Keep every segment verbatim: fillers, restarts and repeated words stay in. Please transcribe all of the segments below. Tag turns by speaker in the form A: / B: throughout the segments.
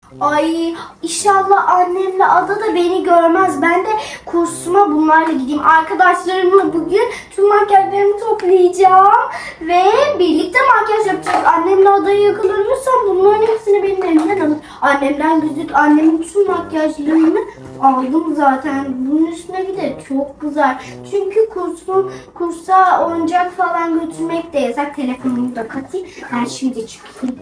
A: Ay inşallah annemle Ada da beni görmez. Ben de kursuma bunlarla gideyim. Arkadaşlarımla bugün tüm makyajlarımı toplayacağım. Ve birlikte makyaj yapacağız. Annemle Ada'yı yakalanırsam bunların hepsini benim elimden alır. Annemden gözük, annemin tüm makyajlarını aldım zaten. Bunun üstüne bir de çok güzel. Çünkü kursun, kursa oyuncak falan götürmek de yasak. Telefonumu da katayım. Ben şimdi çıkayım.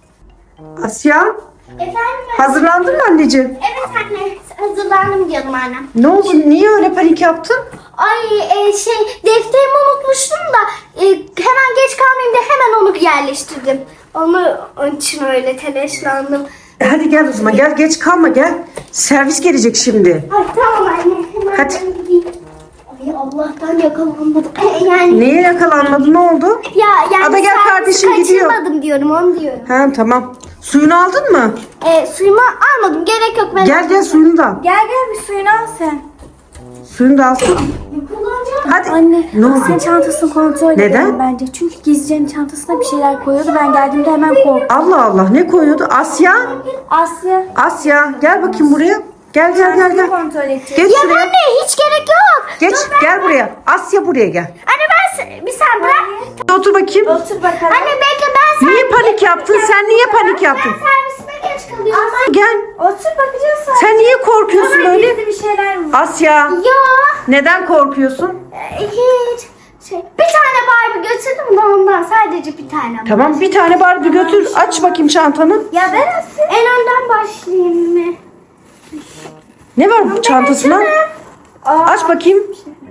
B: Asya,
A: Efendim?
B: hazırlandın mı anneciğim?
A: Evet anne, hazırlandım canım annem.
B: Ne oldu? Niye öyle panik yaptın?
A: Ay e, şey defterimi unutmuştum da e, hemen geç kalmayayım diye hemen onu yerleştirdim. Onu onun için öyle telaşlandım.
B: E hadi gel o zaman. Gel, geç kalma gel. Servis gelecek şimdi.
A: Ay tamam anne, hemen
B: Hadi.
A: ben gideyim. Ay Allah'tan yakalanmadım. E, yani
B: Neye yakalanmadı? Ne oldu?
A: ya yani
B: Ada gel,
A: servisi
B: kardeşim gidiyor.
A: kaçırmadım diyorum, onu diyorum.
B: Ha tamam. Suyunu aldın mı?
A: E, suyumu almadım, gerek yok. Ben
B: Gel gel suyunu da al.
C: Gel gel bir suyunu al sen.
B: Suyunu da alsın.
A: kullanacağım.
B: Hadi.
C: Anne,
B: Ne oldu?
C: Asya'nın çantasını kontrol
B: Neden?
C: edelim bence. Çünkü gizlicenin çantasına bir şeyler koyuyordu. Ben geldiğimde hemen korktum.
B: Allah Allah, ne koyuyordu? Asya.
C: Asya,
B: Asya gel bakayım buraya. Gel gel gel gel.
C: kontrol edeceğiz.
B: Geç
A: Ya
B: şuraya.
A: anne hiç gerek yok.
B: Geç gel buraya. Asya buraya gel.
A: Anne ben se- bir sen bırak.
B: Otur bakayım.
C: Otur bakalım.
A: Anne bekle, ben sen.
B: Niye panik yaptın? Sen niye panik yaptın?
A: Ben servisime geç kalıyorum.
B: Gel.
C: Otur bakacağız sonra.
B: Sen niye korkuyorsun
C: Hemen
B: böyle?
C: gizli bir şeyler mi?
B: Asya.
A: Ya
B: Neden korkuyorsun?
A: e, hiç. Şey, bir tane Barbie götürdüm de ondan, sadece bir tane.
B: Tamam bir tane Barbie götür. Aç bakayım çantanı.
A: Ya ben nasıl? En önden başlayayım mı?
B: Ne var bu çantasına? Aç bakayım.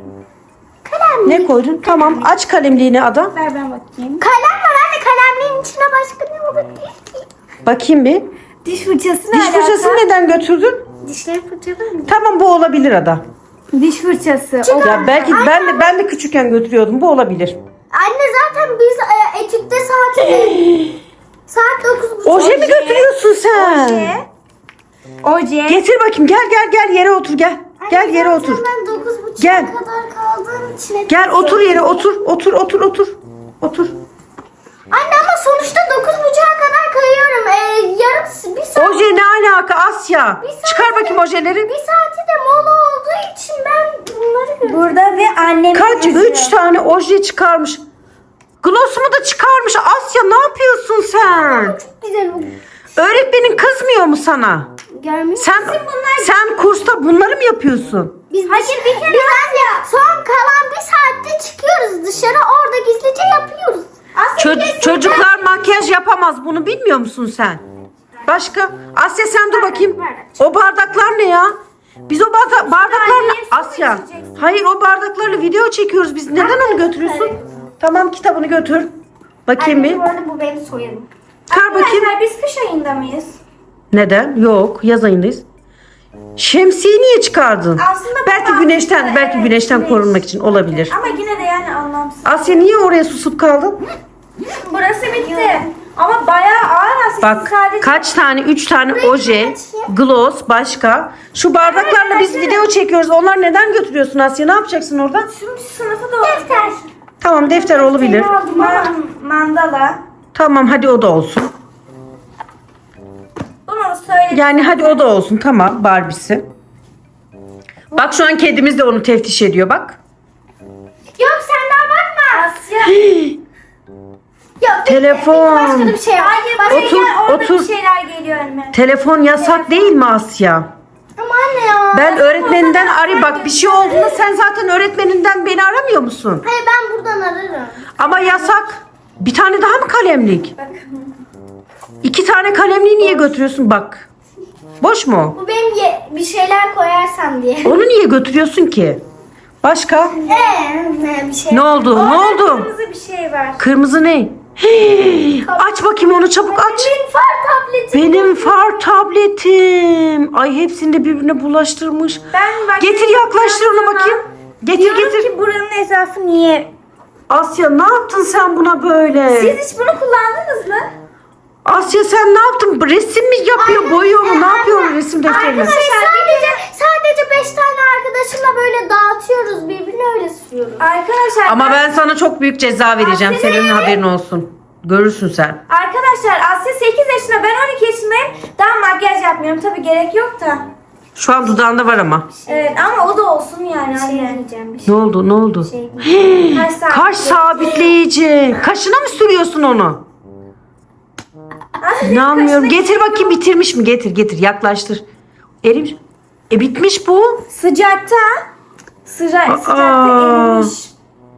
A: Kalem.
B: Ne koydun? Tamam aç kalemliğini Ada.
C: Ver ben bakayım.
A: Kalem var anne, kalemliğin içine başka ne olabilir ki?
B: Bakayım bir.
C: Diş fırçası ne
B: Diş
C: alaka?
B: fırçasını neden götürdün?
A: Dişleri fırçalar mı?
B: Tamam bu olabilir Ada.
C: Diş fırçası. O-
B: Ya belki ben de ben de küçükken götürüyordum. Bu olabilir.
A: Anne zaten biz e, etütte saat saat dokuz buçuk.
B: Oje mi götürüyorsun sen?
C: Oje. Oje.
B: Getir bakayım. Gel gel gel yere otur gel. Gel yere otur.
A: Ben dokuz buçuğa
B: Gel.
A: kadar kaldığım için.
B: Gel otur yere otur. Otur otur otur. Otur.
A: Anne ama sonuçta dokuz buçuğa kadar kayıyorum. Ee, yarım bir saat.
B: Oje ne alaka Asya?
A: Bir saat-
B: Çıkar bakayım ojeleri.
A: Bir saati de mola olduğu için ben bunları görüyorum.
C: Burada ve annem.
B: Kaç? Üç tane oje çıkarmış. Glossumu da çıkarmış. Asya ne yapıyorsun sen?
A: Çok güzel bu.
B: Öğretmenin kızmıyor mu sana?
A: Görmüyor
B: Sen sen kursta bunları mı yapıyorsun?
A: Biz Hayır bir kere. Biz ya son kalan bir saatte çıkıyoruz dışarı, orada gizlice yapıyoruz. Aslında
B: Ço- çocuklar makyaj yapamaz. Bunu bilmiyor musun sen? Başka? Asya sen dur bakayım. O bardaklar ne ya? Biz o barda- bardaklarla Asya. Hayır o bardaklarla video çekiyoruz biz. Neden onu götürüyorsun? Tamam kitabını götür. Bakayım bir.
A: Bu arada bu benim soyadım.
B: Kar bakayım.
C: Arkadaşlar biz kış ayında mıyız?
B: Neden? Yok, yaz ayındayız. Şemsiyeyi niye çıkardın?
C: Aslında bu
B: Belki
C: mantıklı,
B: güneşten, belki
C: evet,
B: güneşten
C: güneş.
B: korunmak için olabilir.
C: Ama yine de yani anlamsız.
B: Asya niye oraya susup kaldın?
C: Burası bitti. Ama bayağı ağır aslında.
B: Bak
C: Sadece
B: kaç tane, üç tane oje, gloss, başka. Şu bardaklarla biz video çekiyoruz. Onlar neden götürüyorsun Asya? Ne yapacaksın orada?
C: tüm sınıfı da olacak.
A: Defter.
B: Tamam defter olabilir.
C: Man- mandala.
B: Tamam hadi o da olsun.
C: Bunu söyledim.
B: Yani hadi o da olsun. Tamam Barbie'si. Bak şu an kedimiz de onu teftiş ediyor bak.
A: Yok sen daha bakma.
C: Asya.
A: Yok.
B: Telefon.
A: Başka da bir şey yok.
C: Hayır
A: Başka-
C: buraya
B: Otur,
C: gel, orada
B: otur.
C: bir şeyler geliyor önüme.
B: Telefon yasak değil mi Asya?
A: Ama anne ya.
B: Ben öğretmeninden arayayım. Bak bir şey olduğunda sen zaten öğretmeninden beni aramıyor musun?
A: Hayır ben buradan ararım.
B: Ama yasak. Bir tane daha mı kalemlik?
C: Bakın.
B: İki tane kalemliği niye götürüyorsun bak. Boş mu?
A: Bu benim ye- bir şeyler koyarsam diye.
B: Onu niye götürüyorsun ki? Başka?
A: Eee ne bir şey.
B: Ne oldu? Ne
C: Orada
B: oldu?
C: kırmızı bir şey var.
B: Kırmızı ne? Hii, aç bakayım onu çabuk aç.
A: Benim far tabletim.
B: Benim far tabletim. Ay hepsini de birbirine bulaştırmış.
C: Ben bak-
B: Getir yaklaştır onu bakayım. Getir
C: Diyorum
B: getir.
C: ki buranın etrafı niye?
B: Asya ne yaptın sen buna böyle?
C: Siz hiç bunu kullandınız mı?
B: Asya sen ne yaptın? Resim mi yapıyor, boyuyor mu? Ne yapıyor resim defterini?
A: Arkadaşlar sadece sadece beş tane arkadaşımla böyle dağıtıyoruz, birbirine öyle sürüyoruz.
C: Arkadaşlar
B: Ama ben sana çok büyük ceza vereceğim. Senin haberin olsun. Görürsün sen.
C: Arkadaşlar Asya sekiz yaşında, ben on iki yaşındayım. Daha makyaj yapmıyorum. Tabii gerek yok da.
B: Şu an dudağında var ama.
C: Evet ama o da olsun yani
A: Şey
C: anne.
A: diyeceğim bir şey.
B: Ne oldu? Ne oldu?
C: Kaş sabit.
B: Kaş sabitleyici. Kaşına mı sürüyorsun onu? İnanmıyorum. Getir bakayım bitirmiş mi? Getir getir yaklaştır. Erimiş. E bitmiş bu.
C: Sıcakta. Sıcak,
B: Aa.
C: sıcakta erimiş.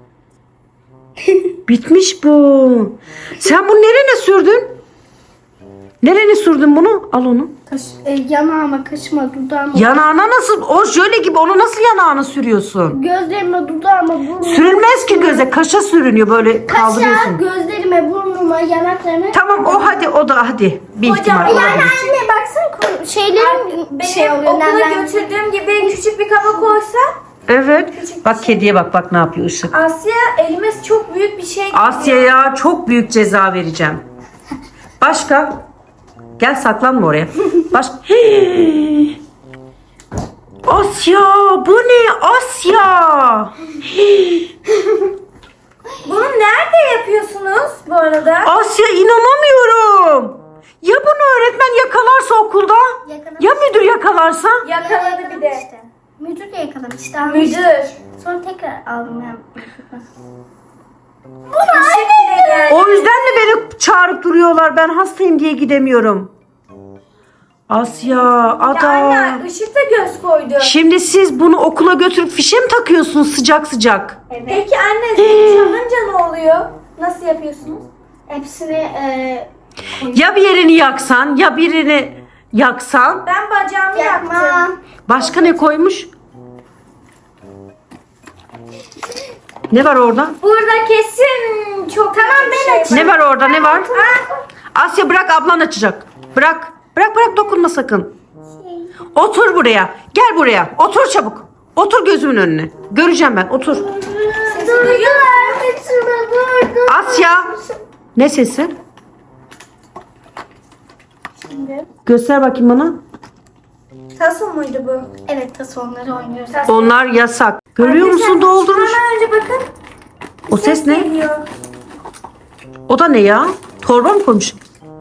B: Bitmiş bu. Sen bunu nerene sürdün? Nerene sürdün bunu? Al onu.
A: Kaş, e, yanağıma, kaşıma, dudağıma.
B: Yanağına nasıl? O jöle gibi onu nasıl yanağına sürüyorsun?
A: Gözlerime, dudağıma, burnuma.
B: Sürülmez ki göze. Kaşa sürünüyor böyle
A: Kaşa,
B: kaldırıyorsun.
A: gözlerime, burnuma, yanaklarıma.
B: Tamam o hadi o da hadi. Bir
C: Hocam,
B: ihtimal
C: yani
B: olabilir.
A: Anne baksana ko- şeylerim
C: Benim
A: şey oluyor.
C: okula
A: nemden-
C: götürdüğüm gibi küçük bir kaba koysa
B: Evet. Bak kediye bak bak ne yapıyor Işık.
C: Asya elime çok büyük bir şey geliyor.
B: Asya'ya çok büyük ceza vereceğim. Başka? Gel saklanma oraya. Baş... Hii. Asya bu ne Asya? Hii.
C: Bunu nerede yapıyorsunuz bu arada?
B: Asya inanamıyorum. Ya bunu öğretmen yakalarsa okulda?
A: Yakalamış.
B: Ya müdür yakalarsa?
C: Yakaladı bir de.
A: İşte. Müdür de yakalamıştı. almıştı.
C: Müdür.
A: Sonra tekrar aldım ben.
C: Işık bile geldi.
B: O yüzden de beni çağırıp duruyorlar. Ben hastayım diye gidemiyorum. Asya,
C: Ya
B: Ada.
C: anne ışık da göz koydu.
B: Şimdi siz bunu okula götürüp fişe mi takıyorsunuz sıcak sıcak?
C: Peki anne çalınca ne oluyor? Nasıl yapıyorsunuz?
A: Hepsini e,
B: Ya bir yerini yaksan ya birini yaksan.
C: Ben bacağımı yaktım.
A: yakmam.
B: Başka ne koymuş? Ne var orada?
C: Burada kesin çok tamam ben açayım.
B: Ne var orada ne var? Asya bırak ablan açacak. Bırak. Bırak bırak dokunma sakın. Otur buraya. Gel buraya. Otur çabuk. Otur gözümün önüne. Göreceğim ben. Otur.
C: Sesi duyuyor musun?
B: Asya. Ne sesi? Göster bakayım bana.
C: Taso muydu bu?
A: Evet, taso onları oynuyoruz.
B: Onlar yasak. Görüyor musun doldurmuş.
C: Hemen önce bakın.
B: O ses ne?
C: Geliyor.
B: O da ne ya? Torba mı koymuş?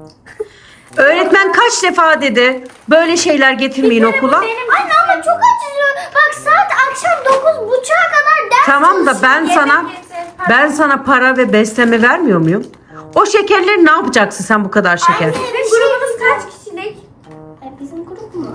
B: Öğretmen kaç defa dedi böyle şeyler getirmeyin okula.
A: Anne ama çok acıyor. Bak saat akşam dokuz buçuğa kadar ders
B: Tamam da ben sana ben sana para ve besleme vermiyor muyum? O şekerleri ne yapacaksın sen bu kadar şeker?
C: Sizin grubunuz kaç kişilik?
A: E, bizim grup mu?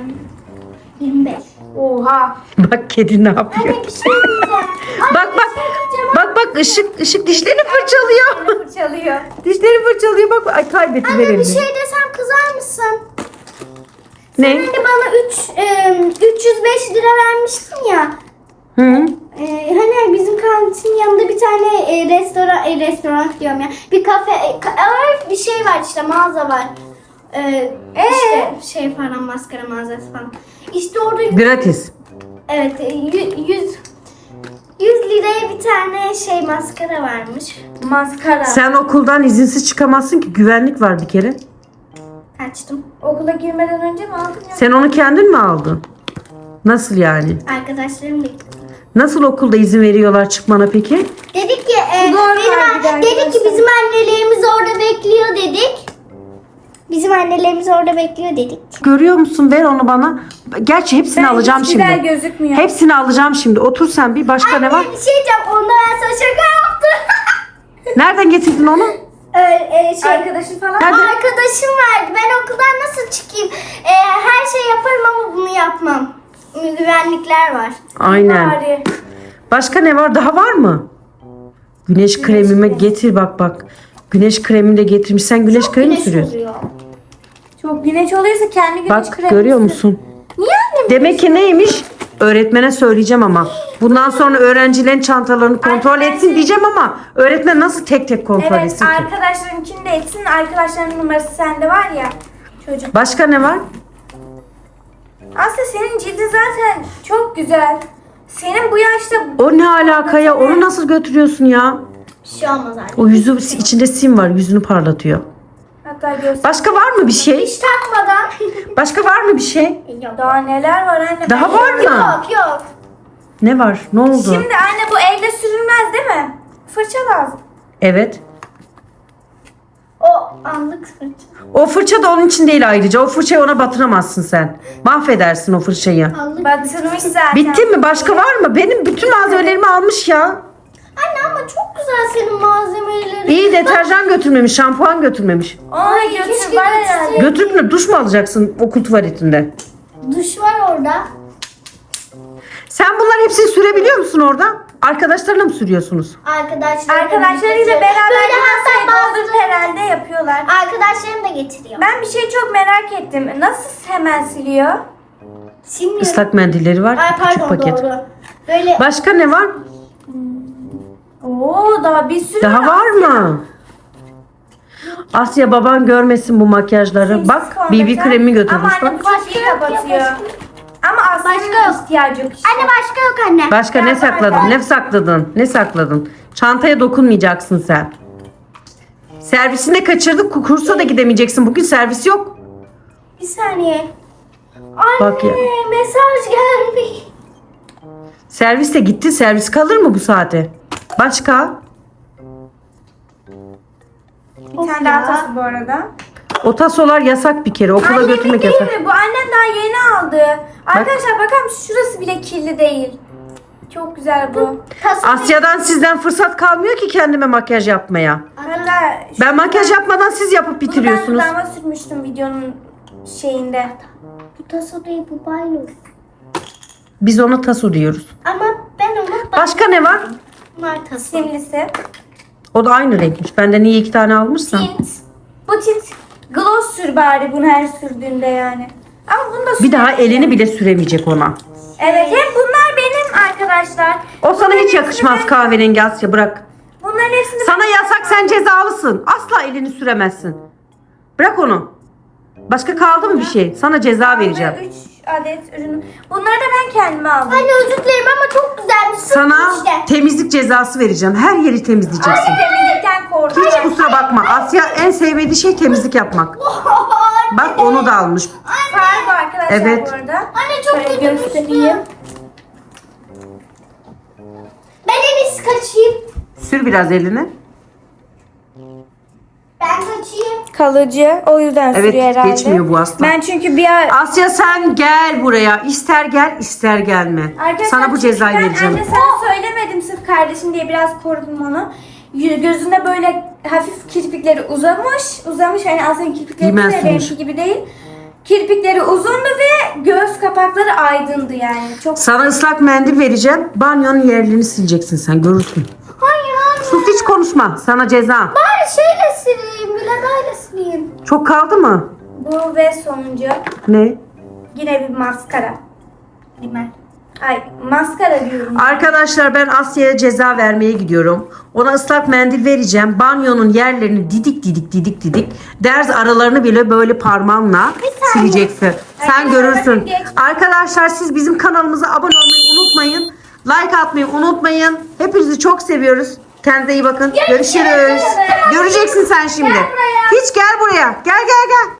A: E, yirmi beş.
C: Oha.
B: Bak kedi ne yapıyor?
A: Anne bir şey diyeceğim. Anne,
B: Bak bak.
A: bir şey diyeceğim.
B: Bak bak ışık ışık dişlerini fırçalıyor.
C: Fırçalıyor.
B: Dişleri fırçalıyor bak. Ay kaybetti
A: Anne bir
B: elini.
A: şey desem kızar mısın?
B: Ne?
A: Hani bana üç, üç yüz beş lira vermiştin ya.
B: Hı.
A: E, hani bizim kantinin yanında bir tane e, restoran, e, restoran diyorum ya. Bir kafe, e, ka- bir şey var işte, mağaza var. E, işte şey falan, maskara mağazası falan. İşte orada
B: Gratis.
A: evet e, yü- yüz yüz liraya bir tane şey maskara varmış.
C: Maskara.
B: Sen okuldan izinsiz çıkamazsın ki güvenlik var bir kere.
A: Açtım.
C: Okula girmeden önce mi aldın ya?
B: Sen onu kendin mi aldın? Nasıl yani?
A: Arkadaşlarım da
B: Nasıl okulda izin veriyorlar çıkmana peki?
A: dedik ki e,
C: Normal
A: benim,
C: bir de
A: dedik ki
C: arkadaşlar.
A: bizim annelerimiz orada bekliyor dedik. Bizim annelerimiz orada bekliyor dedik.
B: Görüyor musun? Ver onu bana. Gerçi hepsini
C: Ben
B: alacağım
C: hiç
B: şimdi.
C: güzel gözükmüyor.
B: Hepsini alacağım şimdi. Otur sen bir. Başka ne var?
A: Anne bir şey diyeceğim. Onda ben sana şaka yaptım.
B: Nereden getirdin onu?
A: Ee, e, şey,
C: Arkadaşın falan.
B: Nerede?
A: arkadaşım verdi. Ben okuldan nasıl çıkayım? Ee, her şey yaparım ama bunu yapmam. Güvenlikler var.
B: Aynen.
C: Bari.
B: Başka ne var? Daha var mı? Güneş kremimi getir bak bak. Güneş kremini de getirmiş. Sen güneş kremi mi
A: Güneş
B: sürüyorsun?
A: oluyor.
C: Çok güneş oluyorsa kendi güneş
B: Bak
C: kremi.
B: görüyor musun?
A: Niye annem?
B: Demek ki neymiş? Öğretmene söyleyeceğim ama. Bundan sonra öğrencilerin çantalarını kontrol
C: Arkadaşlar-
B: etsin diyeceğim ama öğretmen nasıl tek tek kontrol
C: Evet
B: etsin ki?
C: arkadaşlarınkini de etsin. Arkadaşlarının numarası sende var ya. Çocuk.
B: Başka ne var?
C: Aslında senin cildin zaten çok güzel. Senin bu yaşta
B: O ne alaka ya? Onu nasıl götürüyorsun ya?
A: Bir şey olmaz anne.
B: O yüzü içinde sim var. Yüzünü parlatıyor.
C: hatta göster.
B: Başka var mı bir şey?
A: Hiç takmadan.
B: Başka var mı bir şey?
A: Yok.
C: Daha neler var anne.
B: Daha var mı?
A: Yok yok.
B: Ne var? Ne oldu?
C: Şimdi anne bu elde sürülmez değil mi? Fırça lazım.
B: Evet.
A: O anlık fırça.
B: O fırça da onun için değil ayrıca. O fırçayı ona batıramazsın sen. Mahvedersin o fırçayı.
A: Anlık.
C: Batırmış zaten.
B: Bitti mi? Başka var mı? Benim bütün malzemelerimi almış ya.
A: Anne ama çok güzel senin malzemelerin.
B: İyi deterjan götürmemiş, şampuan götürmemiş.
C: Ona
A: keşke
C: götür var herhalde.
A: götürseydim.
B: Götürüp ne duş mu alacaksın okul tuvaletinde?
A: Duş var orada.
B: Sen bunların hepsini sürebiliyor musun orada? Arkadaşlarına mı sürüyorsunuz?
A: Arkadaşlar
C: Arkadaşlarıyla beraber
A: böyle
C: masayı
A: hatta
C: doldurup
A: bazıları
C: herhalde yapıyorlar.
A: arkadaşlarım da getiriyor.
C: Ben bir şey çok merak ettim. Nasıl hemen siliyor?
A: Silmiyorum.
B: Islak mendilleri var.
A: Ay
B: Küçük
A: pardon
B: paket.
A: doğru. Böyle
B: Başka ne var?
C: Oo daha bir sürü
B: Daha var mı? Asya baban görmesin bu makyajları. Bak B B kremi götürmüş
C: Ama anne
B: bak.
C: bu çok iyi kapatıyor. Ama
A: Başka
C: aslında
A: yok.
C: ihtiyacı yok işte.
A: anne başka yok anne.
B: Başka ne sakladın? Ne sakladın? Ne sakladın? Çantaya dokunmayacaksın sen. Servisini de kaçırdık. Kursa da gidemeyeceksin. Bugün servis yok.
A: Bir saniye. Anne
B: Bak ya.
A: mesaj gelmiş.
B: Servis de gitti. Servis kalır mı bu saate? Başka?
C: Bir tane daha tası bu arada.
B: O tasolar yasak bir kere. Okula
C: Annemin
B: götürmek
C: değil
B: yasak.
C: mi? Bu annem daha yeni aldı. Arkadaşlar bakar mısınız? Şurası bile kirli değil. Çok güzel bu.
A: Tasarım.
B: Asya'dan sizden fırsat kalmıyor ki kendime makyaj yapmaya.
C: Hatta
B: Ben makyaj yapmadan siz yapıp bitiriyorsunuz.
C: Bunu ben dudağıma sürmüştüm videonun şeyinde.
A: Bu taso değil bu baylos.
B: Biz ona taso diyoruz.
A: Ama ben ona
B: Başka ne var?
A: Bunlar taso.
C: Simlisi.
B: O da aynı renkmiş. Benden niye iki tane almışsın?
C: Tint. Bu tint. Gloss sür bari bunu her sürdüğünde yani. Ama bunu da
B: Bir daha
C: sürmek
B: elini
C: istiyorum.
B: bile süremeyecek ona.
C: Evet hep bunlar benim arkadaşlar.
B: O sana
C: Bunların
B: hiç
C: hepsini
B: yakışmaz
C: ben-
B: kahverengi Asya bırak.
C: Bunların hepsini
B: Sana yasak sen cezalısın. Asla elini süremezsin. Bırak onu. Başka kaldı mı bir şey? Sana ceza vereceğim.
C: üç adet ürün. Bunları da ben kendime aldım.
A: Anne özür dilerim ama çok güzelmiş. Sırf
B: Sana
A: işte.
B: temizlik cezası vereceğim. Her yeri temizleyeceksin.
C: Temizlikten korktum.
B: Hiç kusura bakma. Asya en sevmediği şey temizlik yapmak. Bak onu da almış.
C: Far bu arkadaşlar
B: Evet.
C: bu arada.
A: Anne çok
C: Şöyle
A: kötü
C: göstereyim.
A: Ben en iyisi kaçayım.
B: Sür biraz elini.
A: Ben kaçayım.
C: Kalıcı. O yüzden
B: Evet,
C: sürüyor herhalde.
B: geçmiyor bu asla.
C: Ben çünkü bir ara...
B: Asya sen gel buraya. İster gel ister gelme.
C: Arkadaşlar
B: Sana bu cezayı
C: ben
B: vereceğim.
C: anne sana söylemedim sırf kardeşim diye biraz korudum onu. Y- Gözünde böyle hafif kirpikleri uzamış. Uzamış hani aslında kirpikleri
B: Bilmez
C: de
B: sonuç.
C: benimki gibi değil. Kirpikleri uzundu ve göz kapakları aydındı yani. Çok
B: Sana ıslak mendil vereceğim. Banyonun yerlerini sileceksin sen görürsün.
A: Hayır anne.
B: Sus hiç konuşma. Sana ceza.
A: Bari şeyle sileyim. Biladayla sileyim.
B: Çok kaldı mı?
C: bu ve sonuncu
B: Ne?
C: yine bir maskara. Rimel. Ay maskara diyorum.
B: Arkadaşlar ben Asya'ya ceza vermeye gidiyorum. Ona ıslak mendil vereceğim. Banyonun yerlerini didik didik didik didik. Derz aralarını bile böyle parmağınla sileceksin. Sen
C: Arkadaşlar,
B: görürsün.
C: bakın geç.
B: Arkadaşlar siz bizim kanalımıza abone olmayı unutmayın. Like atmayı unutmayın. Hepinizi çok seviyoruz. Kendinize iyi bakın. Görüşürüz. Göreceksin sen şimdi. Hiç gel buraya. Gel gel gel.